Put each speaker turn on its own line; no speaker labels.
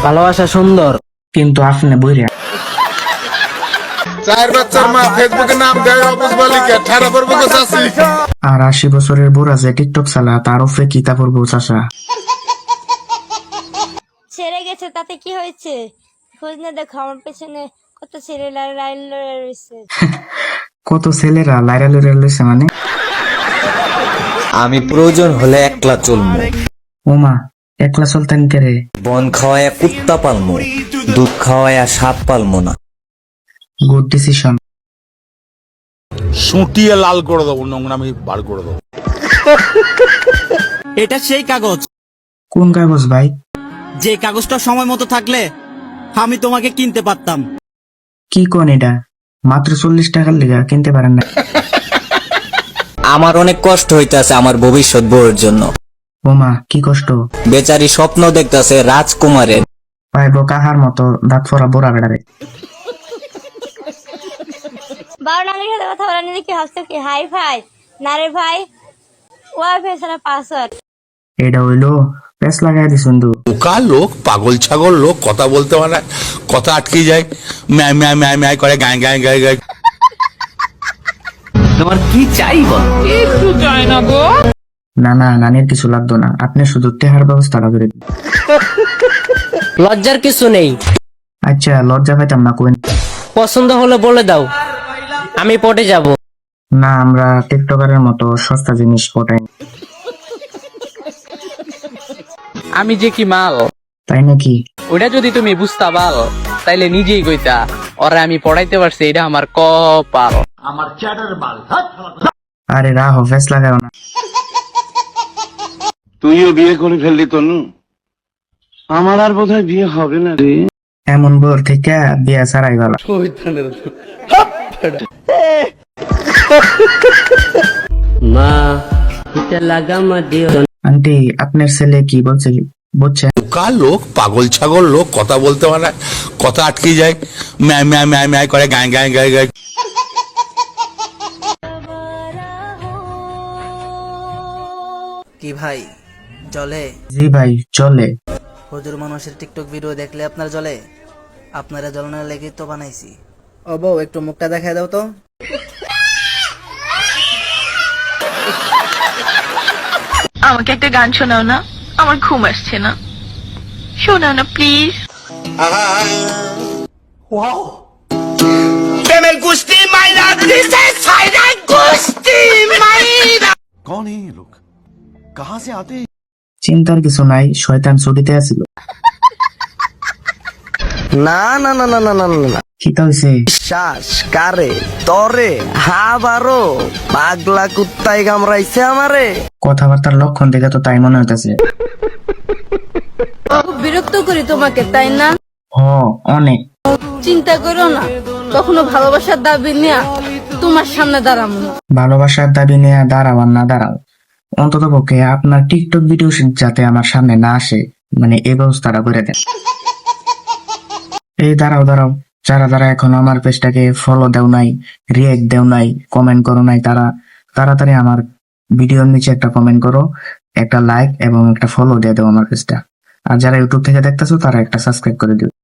ভালোবাসা সুন্দর, কিন্তু আপনি বইরা।
চার বাচ্চার মা ফেসবুকে নাম দেয় অবুজ বালিকা ঠাড়া পড়বো গো চাচি।
আর 80 বছরের বুড়া যে টিকটক চালা তার উপরে কি কাপড় বউ চাষা।
ছেড়ে গেছে তাতে কি হয়েছে? খোঁজ না দেখো, আমার পেছনে কত ছেলে লাইন লড়ে রয়েছে।
কত ছেলেরা লাইরা লইরা লইছে মানে?
আমি প্রয়োজন হলে একলা চলবো।
ওমা, একলা চলতেন কে রে?
বন খাওয়ায়া কুত্তা পালমো, দুধ খাওয়ায়া সাপ পালমো না।
Good decision.
সুটিয়ে লাল করে দেবো, নোংরামি বার করে দেবো।
এটা সেই কাগজ,
কোন কাগজ ভাই?
যে কাগজটা সময় মতো থাকলে আমি তোমাকে কিনতে পারতাম।
কি কোন এটা? মাত্র 40 টাকার লিগা কিনতে পারেন না?
আমার অনেক কষ্ট হইতাছে আমার ভবিষ্যৎ বউয়ের জন্য।
ওমা, কি কষ্ট।
বেচারি স্বপ্ন দেখতাছে রাজকুমারের।
পাইব কাহার মতো দাঁত ফোরা বুড়া বেড়ারে।
বারো নামের সাথে কথা বলা নিয়ে কি ভাবছো কি হাই ফাই? না রে ভাই, ওয়াইফাই ছাড়া পাসওয়ার্ড।
এটা হইলো পেস লাগাই দিছুন দু।
বোকা লোক, পাগল ছাগল লোক, কথা বলতে পারে, কথা আটকে যায়, ম্যায় ম্যায় ম্যায় ম্যায় করে, গায়ে গায়ে গায়ে গায়ে।
তোমার কি চাই বল?
না না, নানির কিছু লাগতো না, আপনি শুধু টেহার ব্যবস্থাটা করে দিন।
লজ্জার কিছু নেই।
আচ্ছা, লজ্জা পাইতাম না কোন।
পছন্দ হলে বলে দাও, আমি পটে যাব।
না, আমরা টিকটকারের মতো সস্তা জিনিস পটাই না।
আমি যে কি মাল,
তাই নাকি?
ওটা যদি তুমি বুঝতা পাল তাইলে নিজেই কইতা ওরা আমি পড়াইতে পারছি, এটা আমার কপাল।
আরে রাহ, ফেস লাগাও না।
তুইও বিয়ে করে ফেললি তনু, আমার আর বোধহয় বিয়ে হবে না রে।
এমন বোর থেকে বিয়া ছাড়াই ভালো।
মা এটা লাগামা দিও।
আন্টি, আপনার ছেলে কি বলছে বুঝছে?
বোকা লোক, পাগল ছাগল লোক, কথা বলতে পারে, কথা আটকে যায়, ম্যায় ম্যায় ম্যায় ম্যায় করে, গায়ে গায়ে গায়ে গায়ে।
কি ভাই জলে?
জি ভাই, চলে।
হুজুর মানুষের টিকটক ভিডিও দেখলে আপনার জলে? আপনারা জ্বলনের লেগে তো বানাইছি। ও বউ, একটু মুখটা দেখায় দাও তো।
আমাকে একটা গান শোনাও না, আমার ঘুম আসছে না, শোনাও না প্লিজ।
চিন্তার কিছু নাই, শয়তান ছুটিতে আছিল।
না না না না না না না,
কিতা হইছে?
শ্বাস কারে তরে হাবারো পাগলা কুত্তায় কামড়াইছে আমারে।
কথাবার্তার লক্ষণ দেখে তো তাই মনে হইতাছে।
বিরক্ত করি তোমাকে তাই না?
হ, অনেক।
চিন্তা করো না, কখনো ভালোবাসার দাবি নিয়ে তোমার সামনে দাঁড়াবো না।
ভালোবাসার দাবি নিয়ে দাঁড়াও আর না দাঁড়াও, অন্তত পক্ষে আপনার টিকটক ভিডিও যাতে আমার সামনে না আসে, মানে এই ব্যবস্থাটা করে দেন। এই দাঁড়াও দাঁড়াও, যারা যারা এখনো আমার পেজটাকে ফলো দেও নাই, রিয়েক্ট দেও নাই, কমেন্ট করো নাই, তারা তাড়াতাড়ি আমার ভিডিওর নিচে একটা কমেন্ট করো, একটা লাইক এবং একটা ফলো দিয়ে দাও আমার পেজটা। আর যারা ইউটিউব থেকে দেখতেছো তারা একটা সাবস্ক্রাইব করে দিও।